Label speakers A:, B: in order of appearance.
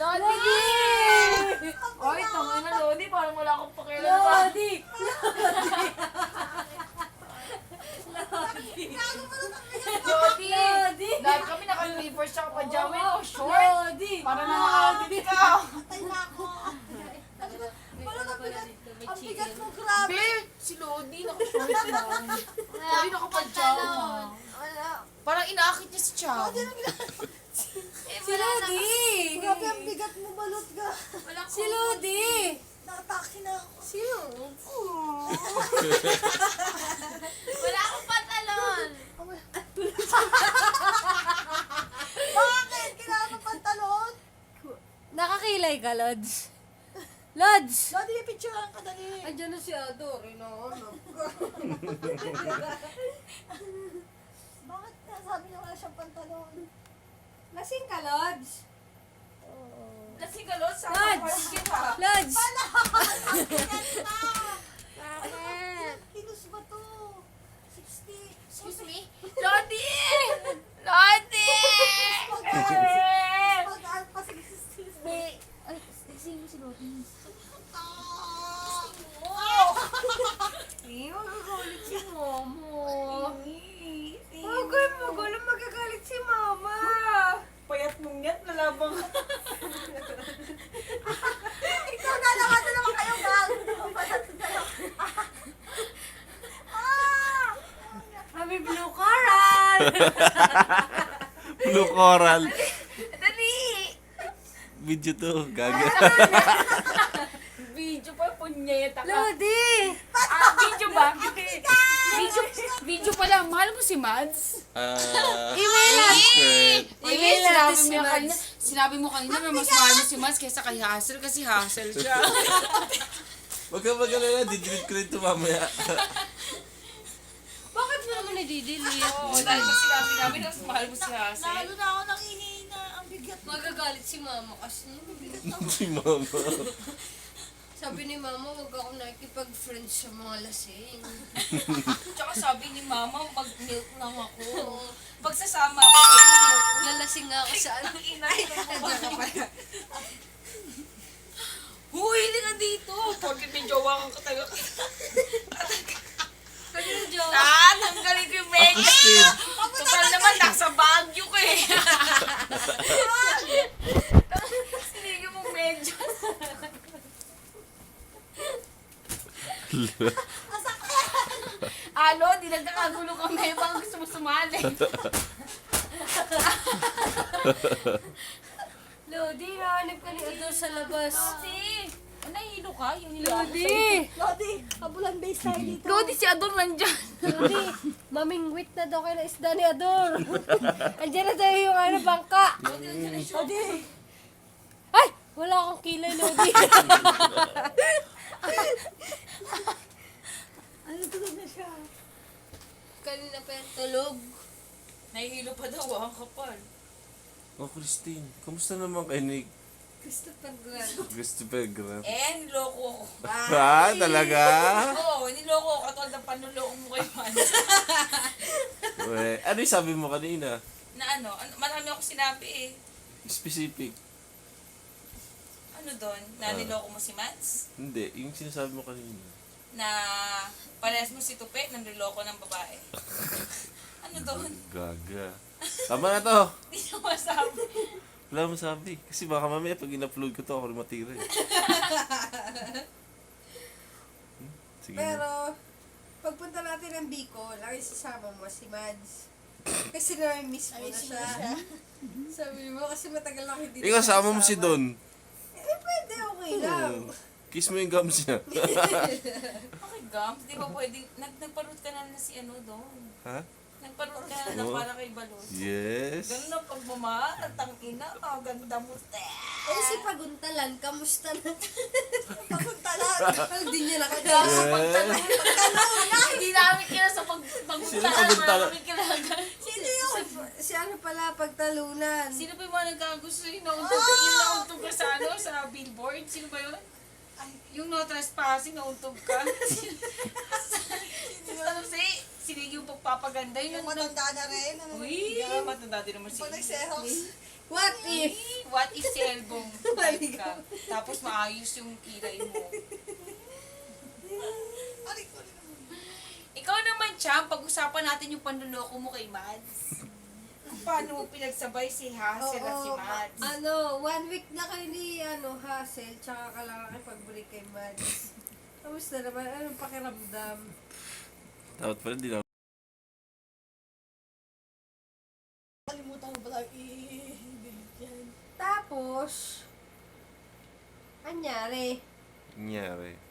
A: Lodi! Oy, tangin na Lodi. Parang wala akong pakialam.
B: Lodi!
A: Lodi!
B: Lodi!
A: Dahil kami naka-slippers tsaka pajama o short.
B: Lodi!
A: Para na nakakabit ka.
C: Patay na ako. Ang bigat mo, grabe.
A: Be, si Lodi naka-short lang. Lodi naka-pajama. Parang inaakit niya si Chow.
B: Si Lodi!
C: Grabe, ang bigat mo, balot ka.
B: Si Lodi!
C: Nakatake na ako.
B: Sino?
D: Wala akong pantalon.
C: Bakit? Kailangan mo pantalon?
B: Nakakilay ka, Lods. Lods!
C: Lodi, may picturean ka dali.
B: Andiyan na si Ador, inahanap ka.
C: Bakit sabi niya wala siyang pantalon?
B: Lasing ka, Lods.
A: Kasi galot sa
B: Lods!
A: ka.
B: Lods!
C: Bakit? Kilos ba to? 60.
A: Excuse me? Lodi! Lodi!
C: Mag-art pa 60.
D: Ay, sino si Lodi?
B: Hindi, magagalit si Mama. Huwag magulang magagalit si Mama.
A: Payat mong yan, nalabang.
C: Ikaw na naman kayo, gang.
B: Kami blue coral.
E: Blue coral.
A: Dali!
E: Video to, gaga.
A: Video pa, punyeta ka.
B: Lodi!
A: Video ba? Video pala. Mahal mo si Mads?
B: Email natin. Email natin si Mads.
A: Sinabi mo kanina na mas mahal mo si Mads kaysa kay Hassel kasi Hassel siya.
E: Wag ka mag-alala, didelete ko rin ito mamaya.
B: Bakit mo naman nadidelete?
A: Oo, dahil ba sinabi namin na mas mahal mo si Hassel?
C: Nalo na ako ng ihina. Ang bigat mo.
B: Magagalit si Mama kasi.
E: Si mama.
B: Sabi ni Mama, wag ako nakikipag-friends sa mga lasing.
A: Tsaka sabi ni Mama, mag-milk lang ako. Pagsasama ako sa milk.
B: Lalasing nga ako sa ano.
A: Inay Huy, hindi ka dito. Porkit may jowa kang kataga.
B: Pwede na, Joe.
A: Tanggalin ko yung medyo.
E: Christine.
A: Total naman, nasa Baguio ka eh. Sinigil mo medyo. Alo, di nagkakagulo kami. Baka gusto mo sumali.
B: Lodi, nahanap ka ni Ador sa labas.
A: Lodi, nahihilo ka? Yung hilo.
B: Lodi!
C: Lodi, kabulan base tayo dito.
A: Lodi, si Ador nandyan.
B: Lodi, mamingwit na daw kayo na isda ni Ador. Andiyan na tayo yung ano, bangka.
C: Lodi.
B: Ay! Wala akong kilay, Lodi.
C: Ano tulog na siya?
B: Kanina pa yung tulog.
A: Nahihilo pa daw, ang kapal.
E: Oh, Christine, kamusta naman kayo ni
B: Christopher Grant.
E: Christopher Grant?
A: Niloko ko.
E: Ah, talaga?
A: Oo, niloko ko. Katulad ng panuloko mo kay Man.
E: Ano yung sabi mo kanina?
A: Na marami ako sinabi eh.
E: Specific.
A: Ano doon? Na niloko mo si Mads?
E: Hindi, yung sinasabi mo kanina.
A: Na parehas mo si Tupe, nanliloko ng babae. Ano doon?
E: Gaga. Tama na to.
A: Hindi na masabi.
E: Wala mo sabi. Kasi baka mamaya pag in-upload ko to, ako rin matira eh. Sige na.
B: Pero, pagpunta natin ng Bicol, ang isasama mo si Mads. Kasi na-miss mo na siya. Sabi mo, kasi matagal lang hindi
E: Ikaw,
B: siya
E: sama mo si
B: kasama.
E: Don.
B: Eh, pwede, okay lang.
E: Kiss mo yung gums niya.
A: Okay, Gams, di ba pwede, nagparot ka na si ano doon?
E: Ha?
A: Nagparot ka na
E: Oo.
A: para kay Balot.
E: Yes.
A: Ganun ang pagmamahal, at ang ina, ang ganda mo.
B: Eh, si Paguntalan, kamusta na?
C: Paguntalan.
B: Hindi niya
A: Pagtanong na, hindi namin kila sa
E: Sino
A: pagpuntahan,
E: pagpuntahan?
A: namin kailangan.
B: Sino yun? Si ano pala, Pagtalunan.
A: Sino ba yung mga nagkagusto yun? Yung nauntog ka sa ano, sa billboard? Sino ba yun? Yung no trespassing, nauntog ka. Ano sinigi yung pagpapaganda
C: Yung
A: yun.
C: matanda na rin.
A: Uy, matanda din naman si
C: Pag nagsehos.
B: What if?
A: What if si Elbong balik ka? Tapos maayos yung kilay mo. Ikaw naman, Cham, pag-usapan natin yung panluloko mo kay Mads. Kung paano mo pinagsabay si Hazel at si Mads.
B: 1 week na kayo ni Hazel, tsaka ka lang pagbalik kay Mads. Kamusta naman? Anong pakiramdam?
E: Dapat pala di na.
C: Kalimutan ko pala i-delete yan.
B: Tapos, anyari?
E: Nangyari.